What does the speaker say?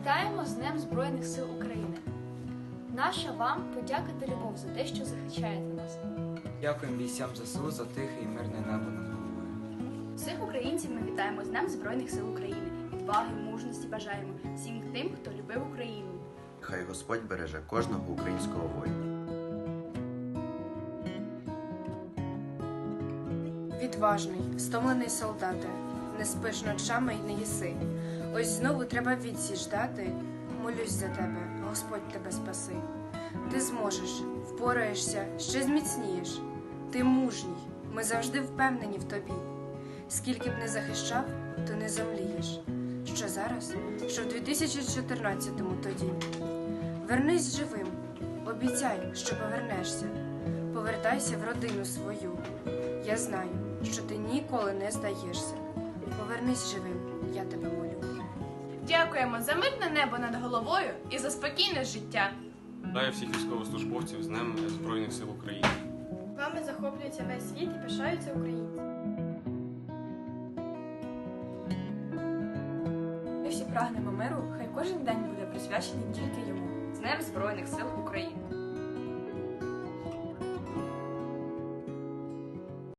Вітаємо з Днем Збройних сил України! Наша вам подяка та любов за те, що захищаєте нас. Дякуємо бійцям ЗСУ за тихе і мирне небо над головою. Всіх українців ми вітаємо з Днем Збройних сил України. Відваги, мужності бажаємо всім тим, хто любив Україну. Хай Господь береже кожного українського воїна. Відважний, стомлений солдате, не спиш ночами й не їси. Ось знову треба відсіч дати. Молюсь за тебе, Господь тебе спаси. Ти зможеш, впораєшся, ще зміцнієш. Ти мужній, ми завжди впевнені в тобі. Скільки б не захищав, то не замлієш. Що зараз, що в 2014-му тоді. Вернись живим, обіцяй, що повернешся. Повертайся в родину свою. Я знаю, що ти ніколи не здаєшся. Повернись живим, я тебе молю. Дякуємо за мирне небо над головою і за спокійне життя. Вітаю всіх військовослужбовців з Днем Збройних сил України. Вами захоплюється весь світ і пишаються українці. Ми всі прагнемо миру, хай кожен день буде присвячений тільки йому. З Днем Збройних сил України!